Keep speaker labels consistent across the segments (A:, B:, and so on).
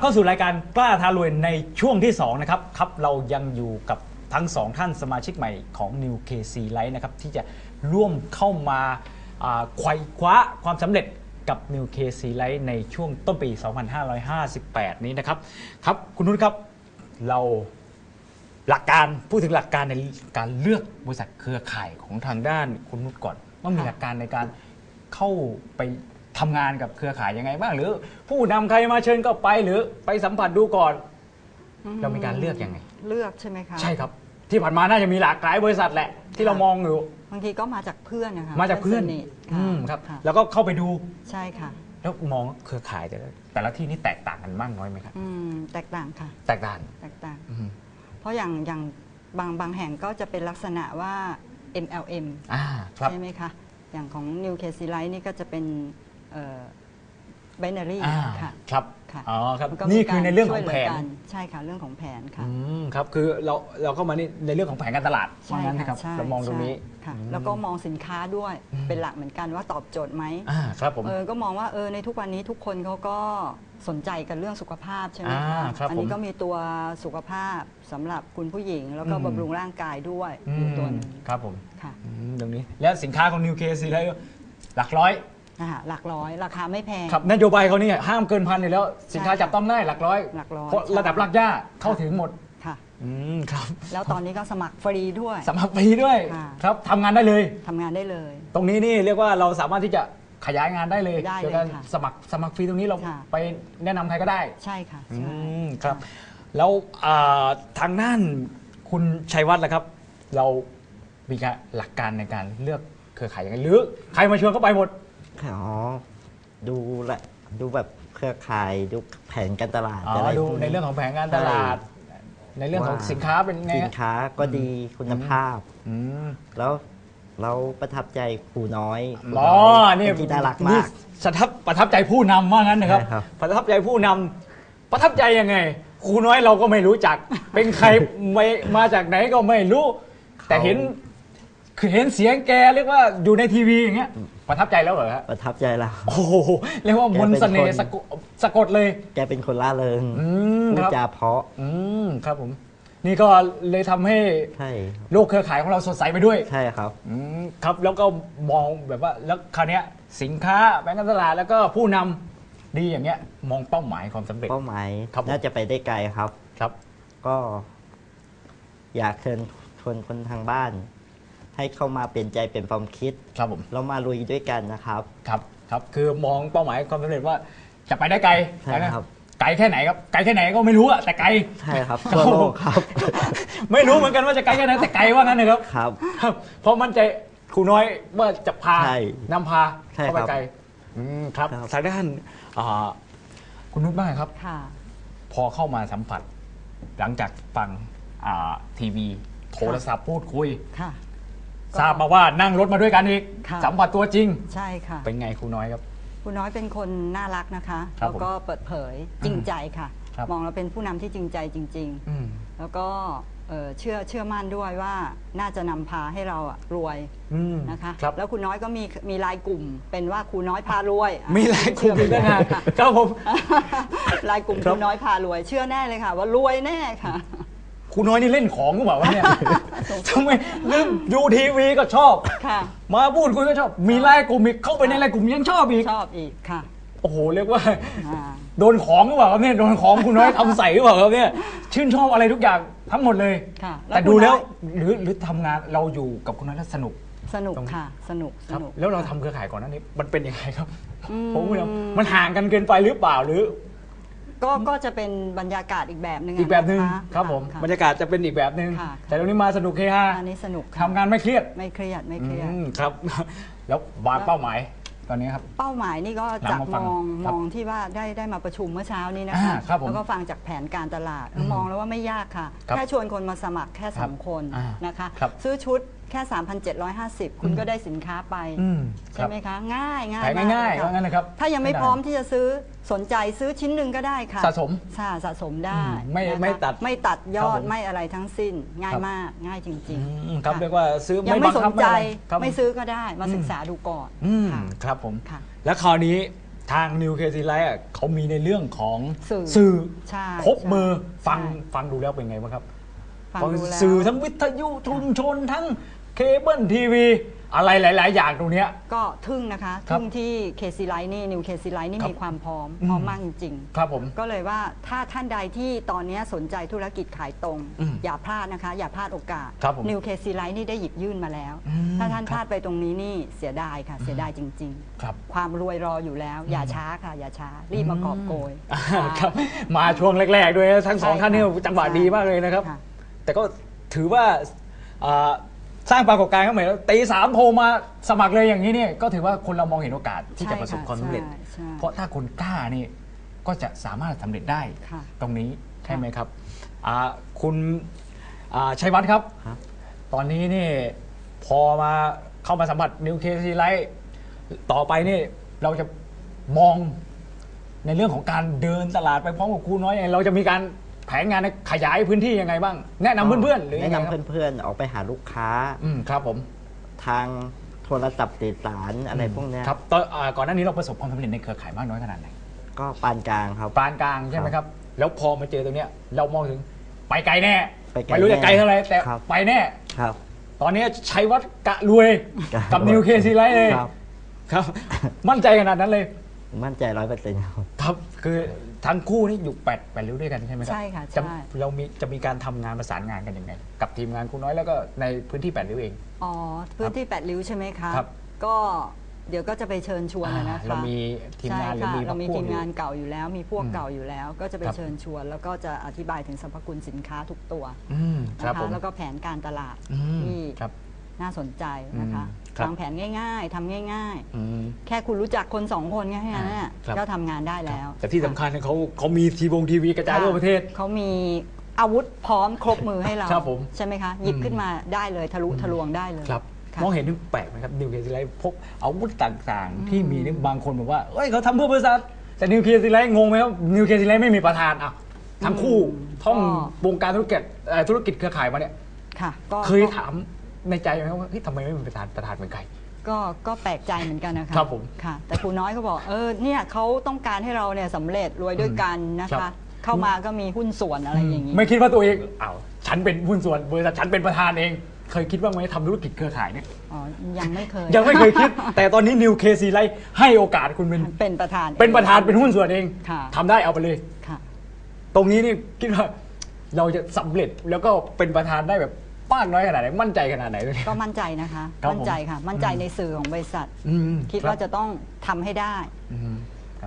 A: าสู่รายการกล้าท้ารวยในช่วงที่2นะครับเรายังอยู่กับทั้ง2ท่านสมาชิกใหม่ของ New KC Life นะครับที่จะร่วมเข้ามาไขว่คว้าความสำเร็จกับ New KC Life ในช่วงต้นปี 2558 นี้นะครับครับคุณนุชครับเราหลักการพูดถึงหลักการในการเลือกบริษัทเครือข่ายของทางด้านคุณนุชก่อนว่ามีหลักการในการเข้าไปทำงานกับเครือข่ายยังไงบ้างหรือผู้นำใครมาเชิญก็ไปหรือไปสัมผัสดูก่อนเรามีการเลือกยังไง
B: เลือกใช่ไหมคะ
A: ใช่ครับที่ผ่านมาน่าจะมีหลากหลายบริษัทแหละที่เรามองอยู่
B: บางทีก็มาจากเพื่อนนะคะ
A: มาจากเพื่อนครับแล้วก็เข้าไปดู
B: ใช่ค่ะ
A: แล้วมองเครือข่ายแต่ละที่นี่แตกต่างกันมากน้อยไหมครับ
B: แตกต่างค่ะ
A: แตกต่าง
B: เพราะอย่างบางแห่งก็จะเป็นลักษณะว่า MLM ใช่ไหมคะอย่างของ New KC Life นี่ก็จะเป็นbinary ค่ะ
A: ครับอ๋อครับนี่คือในเรื่องของแผน
B: ใช่ค่ะเรื่องของแผนค่ะ
A: ครับคือเราเข้ามาในเรื่องของแผนการตลาด
B: ใช่ค่ะ
A: เรามองตรงนี้
B: ค่ะแล้วก็มองสินค้าด้วยเป็นหลักเหมือนกันว่าตอบโจทย์ไหม
A: ครับผม
B: ก็มองว่าในทุกวันนี้ทุกคนเขาก็สนใจกันเรื่องสุขภาพใช่ไหมคะอันนี้ก็มีตัวสุขภาพสำหรับคุณผู้หญิงแล้วก็บำรุงร่างกายด้วยอยู่ตัวนึง
A: ครับผมค่ะตรงนี้แล้วสินค้าของ New KC แล้วหลักร้อย
B: หลักร้อยราคาไม่แพง
A: ครับนโยบายเขานี่ห้ามเกินพันอยู่แล้วสินค้าจับต้องได้หลักร้อยเพราะระดับรากหญ้าเข้าถึงหมด
B: ค่ะ
A: ครับ
B: แล้วตอนนี้ก็สมัครฟรีด้วย
A: สมัครฟรีด้วยครับทำงานได้เลย
B: ต
A: รงนี้นี่เรียกว่าเราสามารถที่จะขยายงานได้เลยโดยการสมัครฟรีตรงนี้เราไปแนะนำใครก็ได้
B: ใช่ค่ะ
A: ครับแล้วทางด้านคุณชัยวัฒน์ล่ะครับเรามีหลักการในการเลือกเครือข่ายยังไงหรือใครมาชวนก็ไปหมด
C: ดูแบบเครือข่ายดูแผนการตลาด
A: ดูในเรื่องของแผนการตลาดในเรื่องของสินค้าเป็นไง
C: สินค้าก็ดีคุณภาพแล้วเราประทับใจครูน้อย
A: นี่
C: ที่น่ารักมาก
A: ประทับใจผู้นำว่างั้นนะครับประทับใจผู้นำประทับใจยังไงครูน้อยเราก็ไม่รู้จักเป็นใครมาจากไหนก็ไม่รู้แต่เห็นเสียงแกเรียกว่าอยู่ในทีวีอย่างเงี้ยประทับใจแล้วเหรอครับ
C: ประทับใจแล้ว
A: โอ้โหเรียกว่ามนต์เสน่ห์สะกดเลย
C: แกเป็นคนล่าเริงพูดจาเพราะ
A: ครับผมนี่ก็เลยทำให้โลกเครือข่ายของเราสดใสไปด้วย
C: ใช่ครับ
A: ครับแล้วก็มองแบบว่าแล้วคราวนี้สินค้าแบงก์การตลาดแล้วก็ผู้นำดีอย่างเงี้ยมองเป้าหมายความสำเร็จ
C: เป้าหมายน่าจะไปได้ไกลครับก็อยากเชิญชวนคนทางบ้านให้เข้ามาเปลี่ยนใจเปลี่ยนความคิด
A: ครับผม
C: เรามาลุยด้วยกันนะครับ
A: ครับคือมองเป้าหมายความสำเร็จว่าจะไปได้ไกล
C: ใช่ครับ
A: ไกลแค่ไหนครับไกลแค่ไหนก็ไม่รู้อะแต่ไกล
C: ใช่ครับทั่วโลกครับ
A: ไม่รู้เหมือนกันว่าจะไกลแค่ไหนแต่ไกลว่างั้นนะครับ
C: ครับ
A: เพราะมั่นใจครูน้อยว่าจะพานำพาเข้าไปไกลครับทางด้านคุณนุชบ้างครับพอเข้ามาสัมผัสหลังจากฟังทีวีโทรศัพท์พูดคุยทราบมาว่านั่งรถมาด้วยกันอีกสัมผัสตัวจริง
B: ใช่ค่ะ
A: เป็นไงครูน้อยครับ
B: ครูน้อยเป็นคนน่ารักนะคะแล้วก็เปิดเผยจริงใจค่ะมองเราเป็นผู้นำที่จริงใจจริงๆแล้วก็เชื่อมั่นด้วยว่าน่าจะนำพาให้เรารวยนะคะแล้วครูน้อยก็มีรายกลุ่มเป็นว่าครูน้อยพารวย
A: มีรายกลุ่มด้วยนะครับผม
B: รายกลุ่มครูน้อยพารวยเชื่อแน่เลยค่ะว่ารวยแน่ค่ะ
A: ครูน้อยนี่เล่นของหรือเปล่าวะเนี่ยทำไมเรื่องดูทีวีก็ชอบมาพูดคุยก็ชอบมีไลน์กลุ่มอีกเข้าไปในไลน์กลุ่มยังชอบอีก
B: ค่ะ
A: โอ้โหเรียกว่าโดนของหรือเปล่าครับเนี่ยโดนของครูน้อยทำใส่หรือเปล่าครับเนี่ยชื่นชอบอะไรทุกอย่างทั้งหมดเลยแต่ดูแล้วหรือทำงานเราอยู่กับครูน้อยแล้วสนุก
B: ค่ะสนุก
A: แล้วเราทำเครือข่ายก่อนหน้านี้มันเป็นยังไงครับผมว่ามันห่างกันเกินไปหรือเปล่าหรือ
B: ก็จะเป็นบรรยากาศอีกแบบนึง
A: ครับผมบรรยากาศจะเป็นอีกแบบนึงแต่ตรงนี้มาสนุกเฮฮา
B: อันนี้สนุก
A: ทำงานไม่เครียด
C: ครับ
A: แล้ววางเป้าหมายตอนนี้ครับ
B: เป้าหมายนี่ก็จากมองที่ว่าได้มาประชุมเมื่อเช้านี้นะคะแล้วก็ฟังจากแผนการตลาดมองแล้วว่าไม่ยากค่ะแค่ชวนคนมาสมัครแค่2คนนะคะซื้อชุดแค่ 3,750 คุณก็ได้สินค้าไปใช่ไหมคะง่าย
A: ว่างั้นนะครับ
B: ถ้ายังไม่พร้อมที่จะซื้อสนใจซื้อชิ้นหนึ่งก็ได้ค่ะ
A: สะ
B: สมได้ไม่ตัดยอดไม่อะไรทั้งสิ้นง่ายมากง่ายจริง
A: ๆครับเรียกว่าซื้อ
B: ยังไม่สนใจไม่ซื้อก็ได้มาศึกษาดูก่อน
A: ครับผมแล้วคราวนี้ทางนิวเคซีไลท์เขามีในเรื่องของ
B: สื่อ
A: สื่อ
B: ใช่
A: พกมือ
B: ใช่
A: ฟังดูแล้วเป็นไงบ้างครับ
B: ฟังดูแล้ว
A: สื่อทั้งวิทยุชุมชนทั้งเคเบิลทีวีอะไรหลาย ๆ อย่างตรงเนี้ย
B: ก็ทึ่งนะคะ
A: ครับ
B: ทึ่งที่เคซีไลท์นี่นิวเคซีไลท์นี่
A: ครับ
B: มีความพร้อม
A: อืม
B: พร้อมมากจริง
A: ครับผม
B: ๆก็เลยว่าถ้าท่านใดที่ตอนนี้สนใจธุรกิจขายตรง
A: อืม
B: อย่าพลาดนะคะ อย่าพลาดโอกาส
A: ครับผม
B: นิวเคซีไลท์นี่ได้หยิบยื่นมาแล้ว
A: อืม
B: ถ้าท่าน
A: ครับ
B: พลาดไปตรงนี้นี่เสียดายค่ะ เสียดายจริง
A: ครับ
B: ๆ ความรวยรออยู่แล้ว อย่าช้าค่ะ อย่าช้ารีบมากอบโกย
A: ครับมาช่วงแรก ๆ ด้วยนะทั้งสอง
B: ใช่
A: ท่านนี่
B: ค่ะ
A: จังหวะ
B: ใช่
A: ดีมากเลยนะครับ
B: ค่ะ
A: แต่ก็ถือว่าสร้างปรากฏการณ์เข้ามาตีสามโทรมาสมัครเลยอย่างนี้เนี่ยก็ถือว่าคนเรามองเห็นโอกาสที่จะประสบความสำเร็จ
B: ใช่
A: เพราะถ้าคนกล้านี่ก็จะสามารถสำเร็จได้
B: ค่ะ
A: ตรงนี้ใช่ไหมครับคุณชัยวัฒน์ครับ
C: ครับ
A: ตอนนี้นี่พอมาเข้ามาสัมผัสนิวเคลียร์ไลท์ต่อไปนี่เราจะมองในเรื่องของการเดินตลาดไปพร้อมกับครูน้อยยังไงเราจะมีการแผนงานขยายพื้นที่ยังไงบ้าง แนะนำเพื่อนๆหรือยั
C: แนะ
A: งไง
C: นำ
A: ครับ
C: เพื่อนๆออกไปหาลูกค้า
A: ครับผม
C: ทางโทรศัพท์สื่อสารอะไรพวกเนี้ย
A: ครับตอนก่อนหน้านี้เราประสบความสำเร็จในเครือข่ายมากน้อยขนาดไหน
C: ก็ปานกลางครับ
A: ปานกลางใช่ไหมครับ แล้วพอมาเจอตรงเนี้ยเรามองถึงไปไกลแน่
C: ไปไกล
A: ไม่รู้จะไกลเท่าไหร่แต่
C: ครับ
A: ไปแน่
C: ครับ
A: ตอนนี้ชัยวัฒน์กะรวยกับนิวเคซีไลท์เลย
C: ครับ
A: ครับ มั่นใจขนาดนั้นเลย
C: มั่นใจ100%ครับ
A: ครับคือทั้งคู่นี่อยู่แปดริ้วด้วยกันใช่ไหมครั
B: ใช่ค่ะ
A: จะ
B: ใช่
A: เราจะมีการทำงานประสานงานกันยังไง กับทีมงานครูน้อยแล้วก็ในพื้นที่แปดริ้วเอง
B: อ๋อพื้นที่แปดริ้วใช่ไหมคะ
A: ครับ
B: ก็เดี๋ยวก็จะไปเชิญชวนนะคะ
A: เรามีทีมงานหรือ
B: ใช่ค่ะ
A: มี
B: เรามี
A: พวก
B: ทีม
A: อยู่
B: งานเก่าอยู่แล้ว มีพวก
A: อืม
B: เก่าอยู่แล้ว ก็จะไป
A: ครับ
B: เชิญชวน แล้วก็จะอธิบายถึงสรรพคุณสินค้าทุกตัว
A: ครับ
B: นะ
A: ผ
B: คะ
A: ม
B: แล้วก็แผนการตลาด
A: อืม
B: ที่
A: ครับ
B: น่าสนใจนะคะ
A: ครับ
B: วางแผนง่ายๆทำง่าย
A: อืม
B: ๆ แค่คุณรู้จักคนสองคนแค่นั้นน่ะ
A: ครับ
B: ก็ทำงานได้แล้ว
A: แต่ที่สำคัญเนี่ยเขามีทีวีกระจายทั่วประเทศ
B: เขามีอาวุธพร้อมครบมือให้เรา
A: ครับผม
B: ใช่ไหมคะหยิบขึ้นมาได้เลยทะลุทะลวงได้เลย
A: ครับ
B: ค่ะ
A: มองเห็นถึงแปลกไหมครับนิวเคลียร์ซีไลท์พกอาวุธต่างๆ ที่มีนี่บางคนบอกว่าเอ้ยเขาทำเพื่อบริษัทแต่นิวเคลียร์ซีไลท์งงไหมครับนิวเคลียร์ซีไลท์ไม่มีประธานอ่ะทั้งคู่ท่องวงการธุรกิจเครือข่ายมาเนี่ย
B: ค่ะก็
A: เคยถามในใจไหมว่าเฮ้ยทำไมไม่มีประธานเป็นใคร
B: ก็แปลกใจเหมือนกันนะคะ
A: ครับผม
B: ค่ะ แต่ครูน้อยก็บอกเนี่ยเขาต้องการให้เราเนี่ยสำเร็จรวยด้วยกันนะ
A: ครั
B: คะ
A: บ
B: เข้ามาก็มีหุ้นส่วนอะไรอย่างนี้
A: ไม่คิดว่าตัวเองอ้าวฉันเป็นหุ้นส่วนบริษัทฉันเป็นประธานเอง เคยคิดว่าไหมทำธุรกิจเครือข่ายเนี่ย
B: อ๋อยังไม่เคย
A: ยังไม่เคยคิด แต่ตอนนี้นิวเคซีไลท์ให้โอกาสคุณ
B: เป็นประธาน
A: เป็นประธานเป็นหุ้นส่วนเอง
B: ค่ะ
A: ทำได้เอาไปเลย
B: ค่ะ
A: ตรงนี้นี่คิดว่าเราจะสำเร็จแล้วก็เป็นประธานได้แบบมากน้อยขนาดไหนมั่นใจขนาดไหนเลย
B: ก็มั่นใจนะคะ
A: ครับผม
B: มั่นใจค่ะ มั่นใจในสื่อของบริษัท คิด
A: รับ
B: ว่าจะต้องทำให้ได้
A: อืมครับ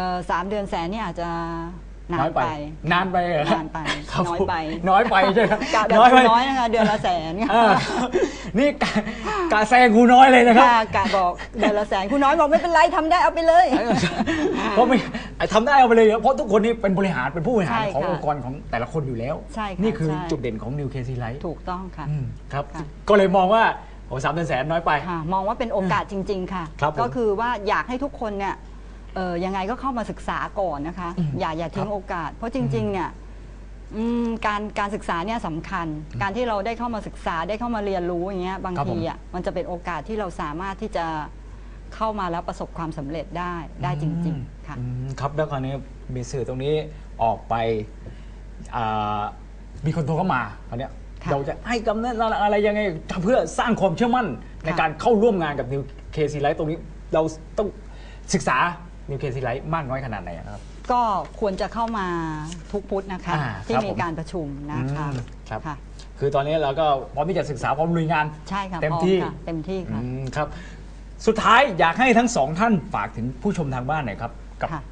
B: 3 เดือนแสนนี่อาจจะนา
A: น้อน ยไป
B: ไป
A: นานไปเหรอน
B: านไป
A: ครับ
B: น้อยไป
A: น้อยไปใช่ไหม
B: กะแบบ
A: น้อย
B: ค
A: ไป
B: รูน้อยนะคะเดือนละแสน
A: อ่านี่กะแซงครูน้อยเลยนะครับ
B: ค่ะกะบอกเดือนละแสนครูน้อยบอกไม่เป็นไรทำได้เอาไปเลย
A: เพราะไม่ทำได้เอาไปเลยเพราะทุกคนนี่เป็นบริหารเป็นผู้บริหาร
B: ใช่
A: ของ
B: ค่ะ
A: องค์กรของแต่ละคนอยู่แล้ว
B: ใช่ค่ะ
A: นี่คือ
B: ใช่
A: จุดเด่นของนิวเคซีไลท์
B: ถูกต้องค่ะ
A: ครับ
B: ค่ะ
A: ก็เลยมองว่าโอ้3 เดือนแสนน้อยไป
B: ค่ะมองว่าเป็นโอกาสจริง ๆ ค่ะ
A: ครับผม
B: ก็คือว่าอยากให้ทุกคนเนี่ยยังไงก็เข้ามาศึกษาก่อนนะคะ อย่าทิ้งโอกาส เพราะจริงๆเนี่ยการศึกษาเนี่ยสำคัญ การที่เราได้เข้ามาศึกษาได้เข้ามาเรียนรู้อย่างเงี้ยบาง
A: ครับผม
B: ทีอ่ะมันจะเป็นโอกาสที่เราสามารถที่จะเข้ามาแล้วประสบความสำเร็จได้จริง ๆ ค่ะ
A: ครับแล้วคราวนี้มีสื่อตรงนี้ออกไปมีคนโทรเข้ามาคราวเนี้ย
B: ค่ะ
A: เราจะให้กำเนิดอะไรยังไงเพื่อสร้างความเชื่อมั่นในการเข้าร่วมงานกับนิวเคซีไลท์ตรงนี้เราต้องศึกษานิวเคซีไลท์มากน้อยขนาดไหนอะครับ
B: ก็ควรจะเข้ามาทุกพุธนะคะ ที่
A: ครับ
B: มี
A: ผม
B: การประชุมนะคะ
A: ครับ
B: ค่ะ
A: คือตอนนี้เราก็พร้อมที่จะศึกษาพร้อมลุยงาน
B: ใช่ค่ะ
A: เต็ม
B: พร้อ
A: ที่
B: ค่ะเต็มที่ค่ะ
A: ครับสุดท้ายอยากให้ทั้งสองท่านฝากถึงผู้ชมทางบ้านหน่อยครับกับ
B: ค่ะ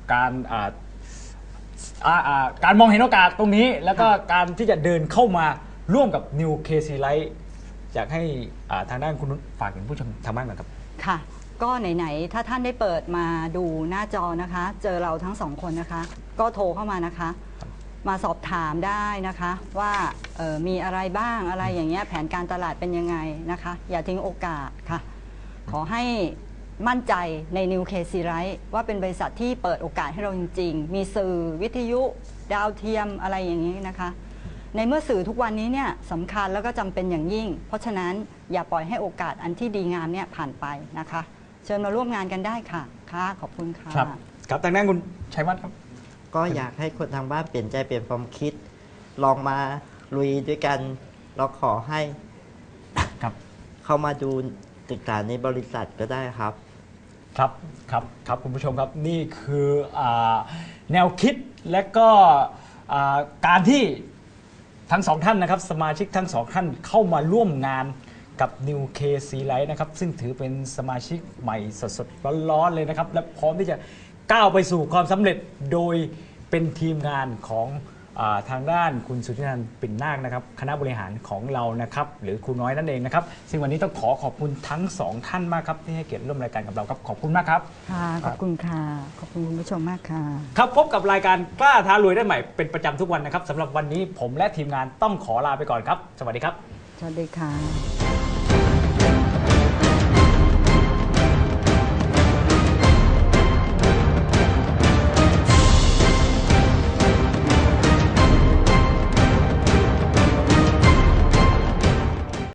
A: การมองเห็นโอกาสตรงนี้ แล้วก็การที่จะเดินเข้ามาร่วมกับ New KC Light อยากให้ทางด้านคุณนุชฝากถึงผู้ชมทางบ้านหน่อยครับ
B: ค่ะ ก็ไหนๆถ้าท่านได้เปิดมาดูหน้าจอนะคะ เจอเราทั้งสองคนนะคะ ก็โทรเข้ามานะคะ มาสอบถามได้นะคะว่ามีอะไรบ้างอะไรอย่างเงี้ยแผนการตลาดเป็นยังไงนะคะ อย่าทิ้งโอกาสค่ะ ขอให้มั่นใจใน New KC Light ว่าเป็นบริษัทที่เปิดโอกาสให้เราจริงๆ มีสื่อวิทยุดาวเทียมอะไรอย่างนี้นะคะ ในเมื่อสื่อทุกวันนี้เนี่ยสำคัญแล้วก็จำเป็นอย่างยิ่ง เพราะฉะนั้นอย่าปล่อยให้โอกาสอันที่ดีงามเนี่ยผ่านไปนะคะ เชิญมาร่วมงานกันได้ค่ะค่ะขอบคุณค่ะ
A: ครับครับทางด้านคุณชัยวัฒน์ครับ
C: ก็อยากให้คนทางบ้านเปลี่ยนใจเปลี่ยนความคิด ลองมาลุยด้วยกันเราขอให้
A: ครับ
C: เข้ามาดูศึกษาในบริษัทก็ได้ครับ
A: ครับครับครับคุณผู้ชมครับนี่คือแนวคิดและก็การที่ทั้งสองท่านนะครับสมาชิกทั้งสองท่านเข้ามาร่วมงานกับ New KC Light นะครับซึ่งถือเป็นสมาชิกใหม่สดๆร้อนๆเลยนะครับและพร้อมที่จะก้าวไปสู่ความสำเร็จโดยเป็นทีมงานของทางด้านคุณสุทธินันท์ปิ่นนาคนะครับคณะบริหารของเรานะครับหรือครูน้อยนั่นเองนะครับซึ่งวันนี้ต้องขอบคุณทั้งสองท่านมากครับที่ให้เกียรติร่วมรายการกับเราครับขอบคุณมากครับ
B: ค่ะขอบคุณค่ะขอบคุณคุณผู้ชมมากค่ะ
A: ครับพบกับรายการกล้าท้ารวยได้ใหม่เป็นประจำทุกวันนะครับสำหรับวันนี้ผมและทีมงานต้องขอลาไปก่อนครับ สวัสดีครับ
B: สวัสดีค่ะ